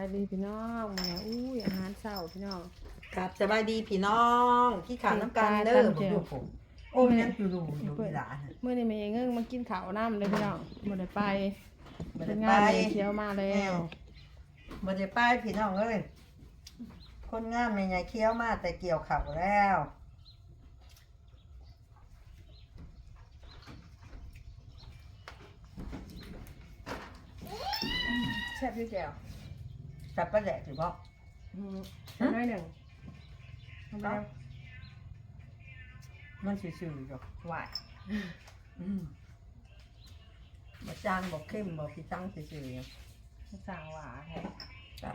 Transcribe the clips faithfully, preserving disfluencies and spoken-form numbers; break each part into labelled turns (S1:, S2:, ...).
S1: ดีพี่น้องแม่อุ้ยอาหารเช้าพี่น้อง
S2: ครับสบายดีพี่น้องที่ขาน้ำกันเด้อผมอยู่ผมโอ้ยยังอยู่ดูอยู่อีหลาน
S1: เมื่อนี้แม่เงิงมากินข้าวน้ำเลยพี่น้องบ่ได้ไป
S2: บ่
S1: เป็
S2: ได้
S1: น
S2: ไป
S1: งานแม่เขียวมาแล้ว
S2: บ่ได้ไปพี่น้องเอ้ยคนงามแม่ใหญ่เคี้ยวมาแต่เกี่ยวข้าวแล้ว
S1: แซ่บอยู่แก้ว
S2: จับปลาแดกสิบ่
S1: อืมน้อยหนึ่งทำแล้ว
S2: มันซื่อๆอยู่หวานอืมบ่จางบ่เข้มบ่พี่ตั้งซื่อๆอยู่
S1: สั่งหวานแท้
S2: ครับ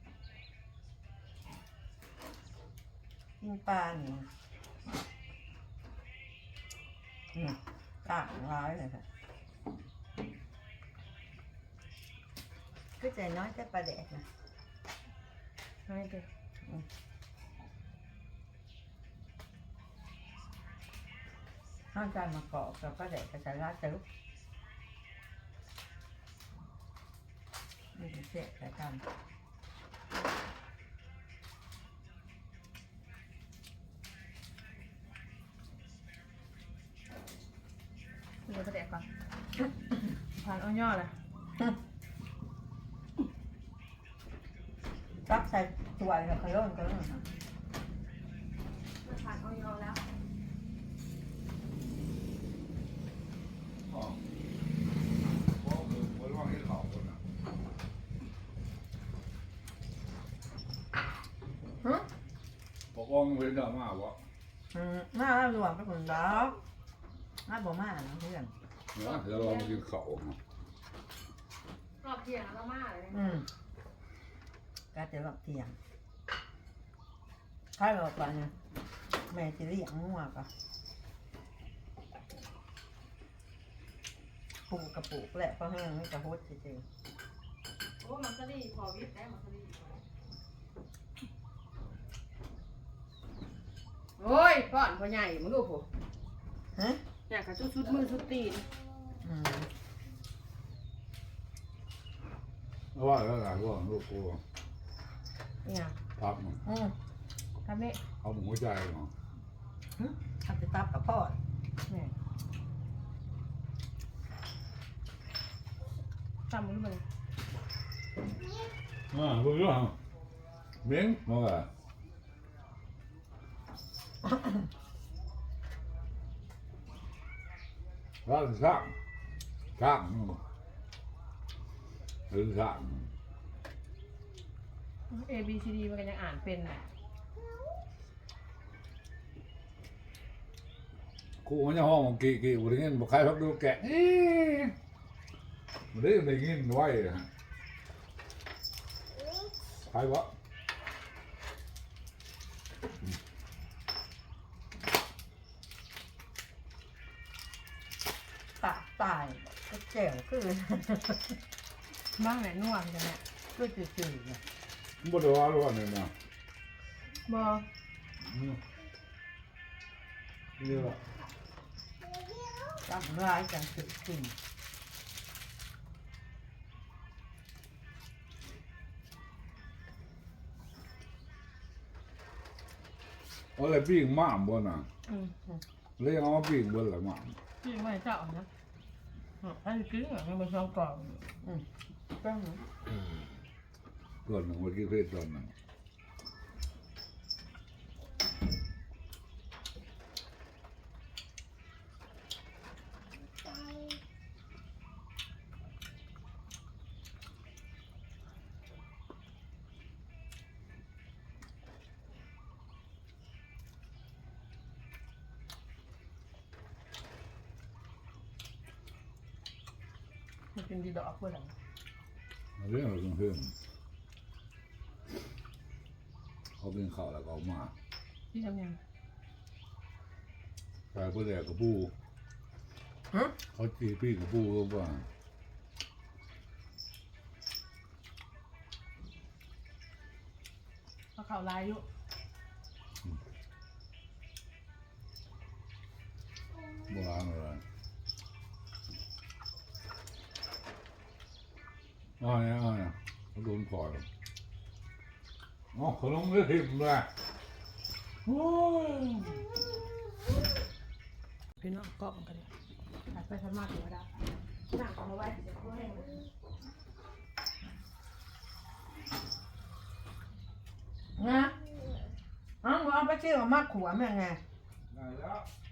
S2: กินปลานี่อืมต่างร้ายเลยค่ะก็ใจน้อยแต่ปลาแดกนะ
S1: ให้เด้อ
S2: ห้างการมากอกกับปลาแดกกระจายราดจะลุกนี่เสียใส่กัน
S1: เดี๋ยวไปแดกก่อนผ่านเอาย่อเลย
S2: ตักใส่ถ้วยแล้วก็โยนก็โยนนะ
S1: ผ่านเอาย่อแล้ว
S3: อ๋อเพราะคือวันว่างที่เขาคนน่ะ
S2: ฮึ
S3: บอกว่ามันเป็นดราม่าวะ
S2: อืมหน้าหลวงไปคนดอกหน้าบ่มานะเพื่อน
S3: นะเดี๋ยวเรามากินเขาเนาะ
S1: รอบเที่ยงแล้วมาเลย
S2: อืมก็จะหลอกเที่ยงถ้าหลอกกันแม่จะเลี้ยงงัวก็ปลูกกระปุกแหละเพราะแห้งไม่กระโฮดจริง
S1: โอ้มันก็ดีพอวิทย์ได้มันก็ดีโอ้ยก่อนพ่อใหญ่มึงดูผม
S2: ๆฮะ
S1: อยากกระชุดชุดมือชุดตีน
S2: อืม
S3: เพราะว่าแล้วหลายว่าลูกกู
S1: เนี่ย
S3: พับมัน
S2: อืม
S1: ทำนี่
S3: เอาหมูใจเนาะ
S2: หึทำจะตับกับพ่อ
S1: เนี่ยจำมันเลย
S3: อ่าเพื่อนเม้งมาไงร้านสร้างสร้างหรือสร้าง
S1: A B C D มันก็ยังอ่านเป็นน่ะ
S3: กูมันจะห้องกี่กี่วันนี้บอกใครพักดูแกะเอ๊ะมันได้ได้ยินไว้ฮะใครวะ
S2: ปากตายก็แจ๋วคือ
S1: บ้างไหนนวดกันเนี่ย
S2: ก็จืดๆเนี่ย
S3: มันบ่ได้ว่าหรอกเนี่ยนะ
S1: บอ
S3: อืมนี่แหละ
S2: จำร้ายจังจืดจริง
S3: เอาอะไรปิ้งหม่ามบ่น่ะ
S1: อืม
S3: เลี้ยงเอามาปิ้งเบิ่ละหม่าม
S1: พี่ไม่เจ้านะถ้าจะกินอ่ะมันเป็นช่องกล่อง
S2: อืมต้อง
S3: ส่วนหนึ่งเมื่อกี้เพศส่วนหนึ่ง
S1: มันเป็นดีดอกเพื่อน
S3: เรื่องอะไรเพื่อนเขากินข้าวแล้วก็เอามา
S1: ที่ทำยัง
S3: ใส่เพื่อแดกกระปู
S2: ฮะ
S3: เขาจีปิ้งกระปูก็ว่า
S1: เขาเข่าลายอยู่
S3: โบราณอะไรอ๋อเนี่ยอ๋อเนี่ยเขาโดนปล่อยอ๋อขนมเลือดทิมเลยโอ้ย
S1: พี่น้องก็มันกันเลยถัดไปทำมาถึงก็ได้หนักเอามาไว้เดี๋ยวเขาให้มัน
S2: นะอ้าวเอาไปซื้อมามัดขัวแม่ไง
S3: ได้แล้ว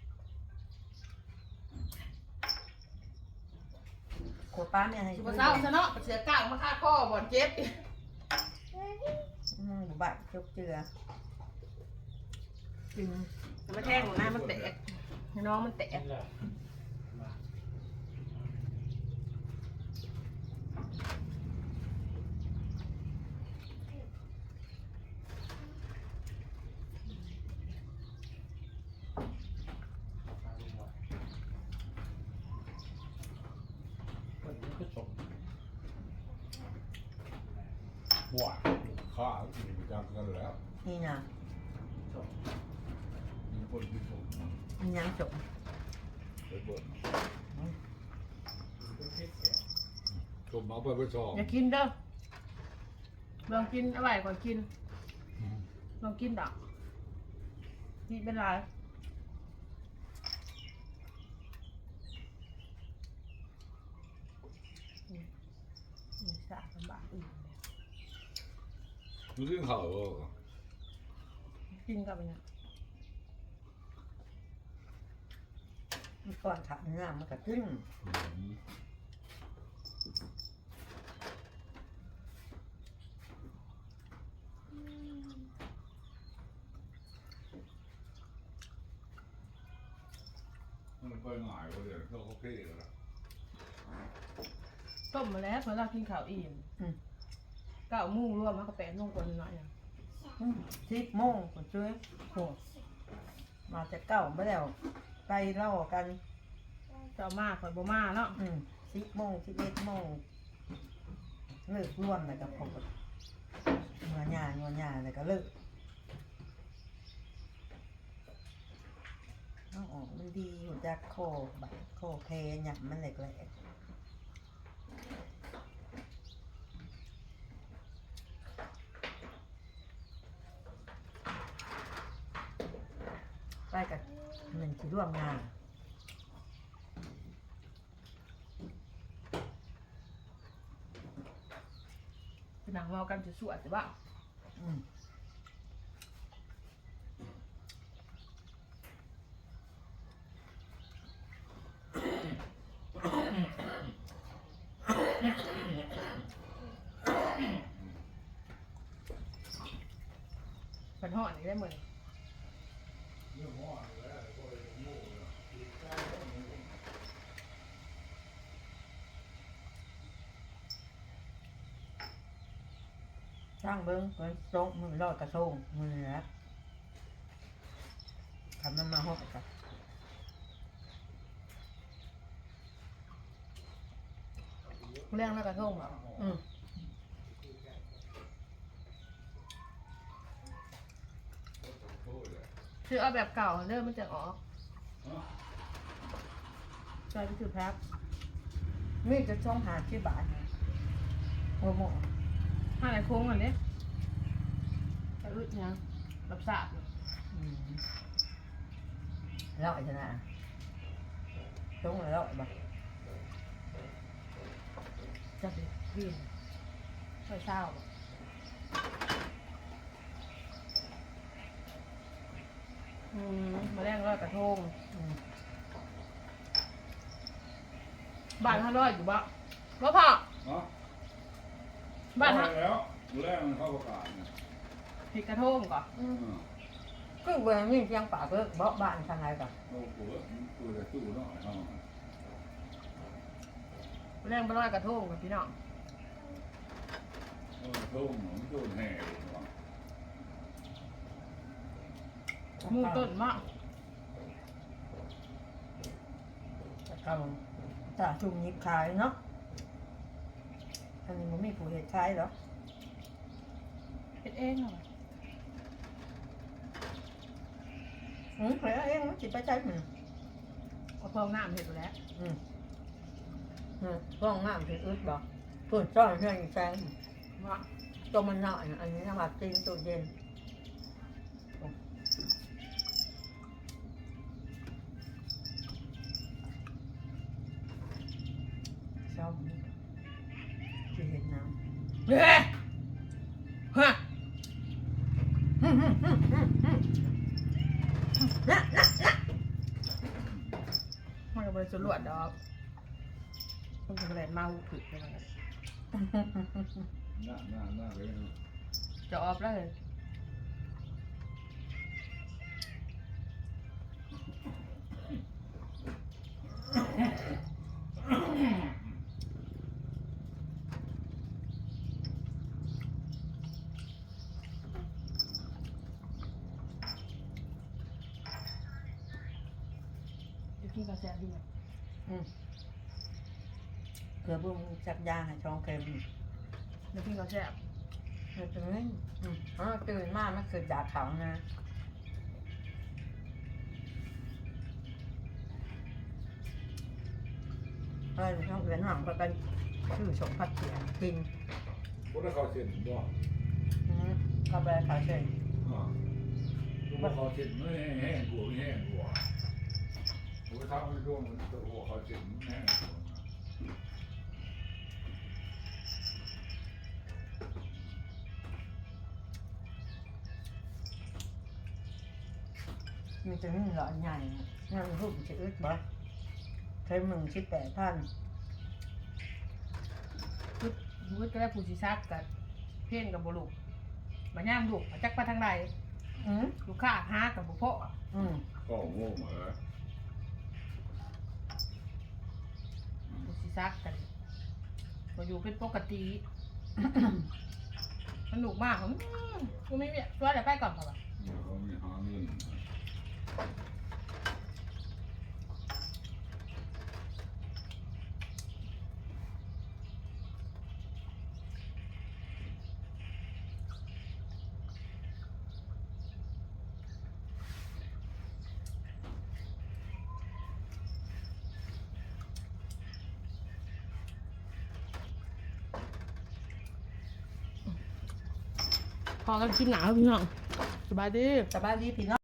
S2: ขัวป้าแม่ให้
S1: สุภาษาซะเนาะเสียก้างมาฆ่าข้อบ่อนเจ็บ
S2: อืมบุบัติจกเจือจริง
S1: มาแทงหน้ามันแตกน้องมันแตก
S3: หวานข้าอยู่จังกันแล้ว
S2: นี่นะ
S3: มีคนที่ชม
S2: มันยังจบ
S3: ไปเบิดชมเอาไปไปชอบ
S1: อย่ากินเด้อลองกินอร่อยกว่ากินลองกินดอกนี่เป็นไรนี่สาลำบากอีก
S3: รู้สึกเขาว่า
S1: กินกับเนี่ย
S2: มันก่อนขับหน้ามันก็ขึ้น
S3: มันไปง่ายกว่าเดี๋ยวเขาโอเคแล้วล่ะ
S1: ต้มมาแล้วเมื่อเรากินข้าวอิ่มเก้าโมุ่งรวมมันก็แปดโมงกว่าหน่อยอ่ะ
S2: สิบโมงคนช่วยโหมาจะเก้าไม่แล้วไปเล่ากัน
S1: เจ้ามาข่อยบ่มาเนาะ
S2: อืมสิบโมงสิบเอ็ดโมงเลิกร่วมเลยกับผมงัวหญ้างัวหญ้าเลยก็เลิกน้องออกมันดีหัวจักโคบัดโคเพหยับมันเหล็กแหลกไปกับหนึ่งที่ร่วมงาน
S1: เป็นหนังเรากันจะสวดใช่ปะ
S2: อืม
S1: เป็นห่อนี่ได้เหมือน
S2: ช่างเบิ้งเบิ้งโซ่มือรอดกระทงมือนะทำมันมาหกกัน
S1: เรื่องแล้วกระทงเหรอ
S2: อืม
S1: คือเอาแบบเก่าเริ่มมันจะออกใส่ไปถือแพ็ค
S2: มีจะช่องหาที่บาทหัวหมอ
S1: ห้าไหนโค้งก่อนดิกระอึดยังรับสาบ
S2: อืมแล้วไอ้ชนะช่องแล้วไอ้บ้า
S1: จะไปกินใส่เศร้าอืมมาแรงร้อยกระทง
S2: อืม
S1: บ้านห้าร้อยอยู่บ่บ่พอ
S3: เนาะ
S1: บ้านห้า
S3: แล้วแรกมันเข้าประกาศเนี่ย
S1: ผิดกระทงก่อน
S2: อืม
S3: อืม
S2: ก็เวลามีเพียงปากก็เบาบ้านทางไหนก่อน
S3: โอ้โหตัวจะตู้เนาะเอา
S1: มาแรงไปร้อยกระทงกับพี่น้อง
S3: เออตู้หนูตู้แห่เลยว่ะ
S1: หมูต้นมาก
S2: จะเข้าถ้าชุมยิบขายเนาะอันนี้มันมีผู้เหตุขายหรอ
S1: เป็นเองเหรอ
S2: อืมเฮ้ยเองมันจิไปใช้มัน
S1: เอาพองน้ำเห็ดไปแล้ว
S2: อืมอืมร่องน้ำถึงอึดบอกส่วนซ่อนเพื่อนอีกแฟน
S1: ว่า
S2: ตตัวมันหน่อยอันนี้นะว่าตีนตัวเย็นชอบจะเห็นน้ำ
S1: เฮ้ยฮะ
S2: นะนะนะ
S1: มันก็บริสุทธิ์ล้วนดอกมันจะแรงเมาผึ่ไปเลย
S3: หน้าหน้าหน้าเลย
S1: จะออฟแล้วเลย จะกินกาแฟดีไหม
S2: อืมเกลือบุ้งจับยาให้ช่องเค็ม
S1: จะกินกาแฟ
S2: ไม่เป็นไรอืมอ๋อตื่นมากมันคือดาดเขานะเออช่องเวียนหลังก็กันชื่อสมพัดเสียงกิน
S3: พวกนั้นเขาเช็ดบ่
S2: อืมก็ไปขายเฉย
S3: อ่าพวกเขาเช็ดไม่แห้งกลัวไม่แห้งกลัวพวกเขาไม่ร่วงตัวเขาเช็ดไม่แห้ง
S2: มีจะนึ่งหลอดใหญ่นั่งรูปจะอึดบ่ใช้มึงชิดแปดพัน
S1: พุดพุดก็ได้ผู้ชิซักกับเพ่นกับบุรุษมาย่ามดุมาจักไปทางใด
S2: อืม
S1: ลูกค้าหากับบุพเพ
S2: อืม
S3: ก็โง่มาแล้ว
S1: ผู้ชิซักกันมาอยู่เป็นปกติ สนุกมากผมกูไม่มีตัวเดี๋ยวไปก่อนค่ะ
S3: เขามีหาเงิน
S1: พอกันกินหนาวพี่น้องสบายดี
S2: สบายดีพี่น้อง